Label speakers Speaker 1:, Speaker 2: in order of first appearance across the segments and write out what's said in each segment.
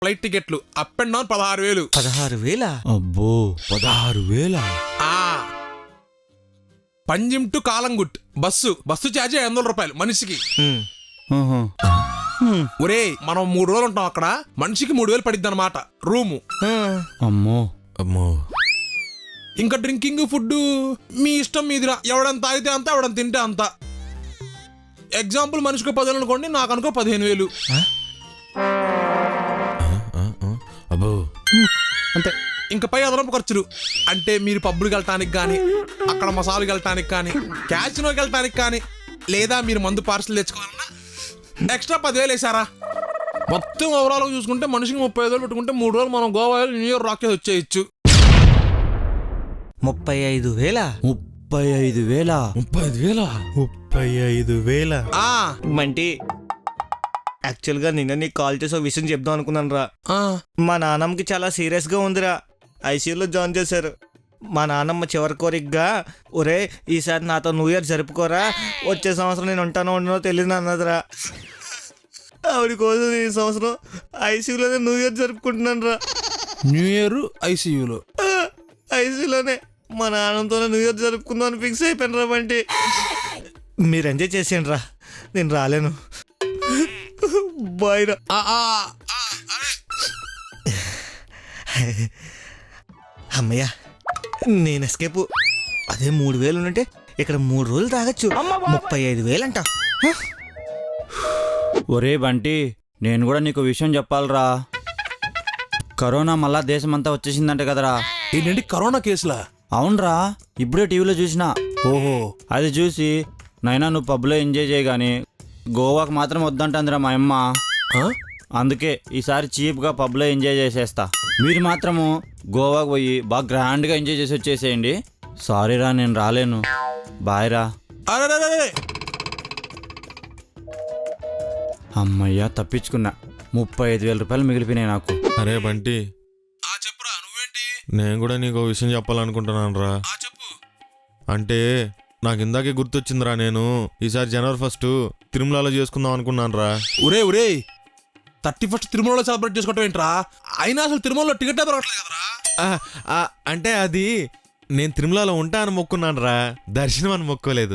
Speaker 1: Flight టికెట్లు up and down 16,000.
Speaker 2: 16,000?
Speaker 3: అబ్బో 16,000.
Speaker 1: Panjim to Calangute bus ఛార్జీ 500 రూపాయలు మనిషికి. ఒరే మనం 3 రోజులు ఉంటాం అక్కడ, మనిషికి 3,000 పడిద్ది అనమాట రూము.
Speaker 3: అమ్మో అమ్మో.
Speaker 1: ఇంకా డ్రింకింగ్ ఫుడ్ మీ ఇష్టం మీదిరా, ఎవడని తాగితే అంత ఎవడని తింటే అంత. ఎగ్జాంపుల్ మనిషికి 10,000 అనుకోండి, నాకు అనుకో 15,000.
Speaker 3: అబ్బో
Speaker 1: అంతే. ఇంకా పై అదనపు ఖర్చులు అంటే మీరు పబ్బులకు వెళ్ళటానికి కానీ, అక్కడ మసాలాకి వెళ్ళటానికి కానీ, క్యాసినోకి వెళ్ళటానికి కానీ, లేదా మీరు మందు పార్సల్ తెచ్చుకోవాలన్నా ఎక్స్ట్రా 10,000 వేసారా. మొత్తం ఓవరాల్ చూసుకుంటే మనిషికి 35,000 పెట్టుకుంటే 3 రోజులు మనం గోవా న్యూ ఇయర్ రాకేసి వచ్చేయచ్చు.
Speaker 2: 35,000?
Speaker 3: 35,000.
Speaker 2: మంటి యాక్చువల్గా నిన్న నీకు కాల్ చేసి ఒక విషయం చెప్దాం అనుకున్నాను రా. మా నాన్నమ్మకి చాలా సీరియస్గా ఉందిరా, ఐసీయూలో జాయిన్ చేశారు. మా నాన్నమ్మ చివరి కోరికగా, ఒరే ఈసారి నాతో న్యూ ఇయర్ జరుపుకోరా, వచ్చే సంవత్సరం నేను ఉంటానో ఉండనో తెలియదు అన్నదిరా. ఆవిడ కోసం ఈ సంవత్సరం ఐసీయూలోనే న్యూ ఇయర్ జరుపుకుంటున్నాను రా.
Speaker 1: న్యూ ఇయర్ ఐసీయూలో?
Speaker 2: ఐసీయూలోనే మా నాన్నతోనే న్యూ ఇయర్ జరుపుకుందాం అని ఫిక్స్ అయిపోయాను రా. బంటి మీరు ఎంజాయ్ చేసేయండి రా, నేను రాలేను. బాయ్ రా. అమ్మయ్యా నేను ఎస్కేప్. అదే 3,000 ఉంటే ఇక్కడ 3 రోజులు తాగొచ్చు. 35,000 అంట.
Speaker 3: ఒరే బంటి, నేను కూడా నీకు విషయం చెప్పాలరా. కరోనా మళ్ళా దేశమంతా వచ్చేసిందంట కదరా.
Speaker 1: ఏంటంటే కరోనా కేసులా?
Speaker 3: అవునరా, ఇప్పుడే టీవీలో చూసినా.
Speaker 1: ఓహో.
Speaker 3: అది చూసి నైనా నువ్వు పబ్లో ఎంజాయ్ చేయగాని గోవాకు మాత్రం వద్దంటుందిరా మా అమ్మ. అందుకే ఈసారి చీప్గా పబ్లో ఎంజాయ్ చేసేస్తా. మీరు మాత్రము గోవాకు పోయి బాగా గ్రాండ్గా ఎంజాయ్ చేసి వచ్చేసేయండి. సారీరా నేను రాలేను. బాయ్ రా. అమ్మయ్యా తప్పించుకున్నా. 35,000 రూపాయలు మిగిలిపోయినాయి నాకు.
Speaker 4: అరే బంటి,
Speaker 1: చెప్పురా. నువ్వేంటి?
Speaker 4: నేను కూడా నీకు విషయం చెప్పాలనుకుంటున్నాను రా.
Speaker 1: చెప్పు.
Speaker 4: అంటే నాకు ఇందాకే గుర్తొచ్చిందిరా, నేను ఈసారి జనవరి 1 తిరుమలలో చేసుకుందాం అనుకున్నాను రా.
Speaker 1: ఒరే 31st తిరుమలలో సెలబ్రేట్ చేసుకోవటం ఏంట్రా? అయినా అసలు తిరుమలలో టికెట్ దొరకట్లేదు కదరా.
Speaker 4: అంటే అది నేను తిరుమలలో ఉంటా అని మొక్కున్నాను రా, దర్శనం అని మొక్కోలేదు.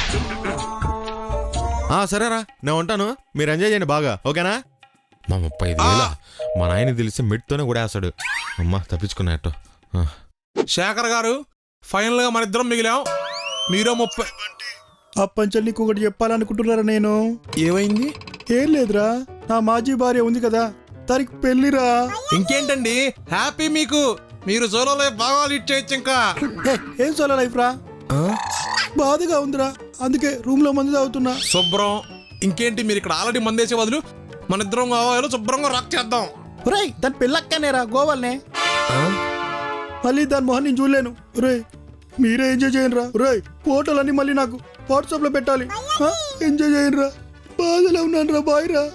Speaker 4: సరేరా నేను ఉంటాను, మీరు ఎంజాయ్ చేయండి బాగా, ఓకేనా? మా 35,000 మా నాయన తెలిసి మెట్తోనే కూడా వేస్తాడు. అమ్మా తప్పించుకున్నట్టు.
Speaker 1: శేఖర్ గారు, ఫైనల్ గా మన ఇద్దరం మిగిలాం. మీరో 30.
Speaker 5: అప్పంచల్ నీకు ఒకటి చెప్పాలనుకుంటున్నారా నేను.
Speaker 1: ఏమైంది?
Speaker 5: ఏం లేదురా, నా మాజీ భార్య ఉంది కదా, దానికి పెళ్లిరా.
Speaker 1: ఇంకేంటండి, హ్యాపీ మీకు. మీరు సోలోలో బాగా లీడ్ చేయొచ్చు. ఇంకా
Speaker 5: ఏం సోలో లైఫ్ రా, బాధగా ఉందిరా, అందుకే రూమ్ లో మందు తాగుతున్నా.
Speaker 1: శుభ్రం. ఇంకేంటి, మీరు ఇక్కడ ఆల్రెడీ మందేసే బదులు మన ఇద్దరం గోవాలో శుభ్రంగా రాక్ చేద్దాం.
Speaker 5: రేయ్ దాని పెళ్ళక్కనేరా గోవాల్నే, మళ్ళీ దాని మొహన్ నేను చూడలేను. రేయ్ మీరే ఎంజాయ్ చేయండి రా. రేయ్ ఫోటోలన్నీ మళ్ళీ నాకు వాట్సాప్ లో పెట్టాలి. ఎంజాయ్ చేయండి రా, బాధలో ఉన్నాను రా. బాయ్ రా.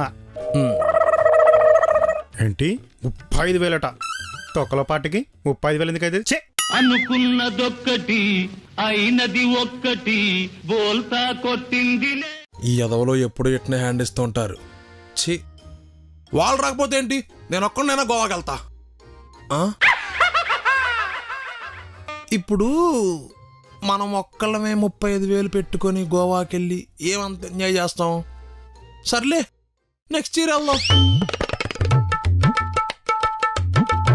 Speaker 6: ఏంటి 35,000 తొక్కలో పాటికి 35,000 ఎందుకైతే?
Speaker 7: అనుకున్నదొక్కటి అయినది ఒక్కటి, బోల్తా కొట్టింది.
Speaker 1: ఈ ఎదవలో ఎప్పుడు ఎట్నే హ్యాండ్ ఇస్తూ ఉంటారు. ఛీ, వాళ్ళు రాకపోతే ఏంటి, నేను ఒక్కడైనా గోవాకి వెళ్తా. ఇప్పుడు మనం ఒక్కళ్ళమే 35,000 పెట్టుకొని గోవాకి వెళ్ళి ఏమంత ఎంజాయ్ చేస్తాం? సర్లే నెక్స్ట్ ఇయర్ వెళ్దాం.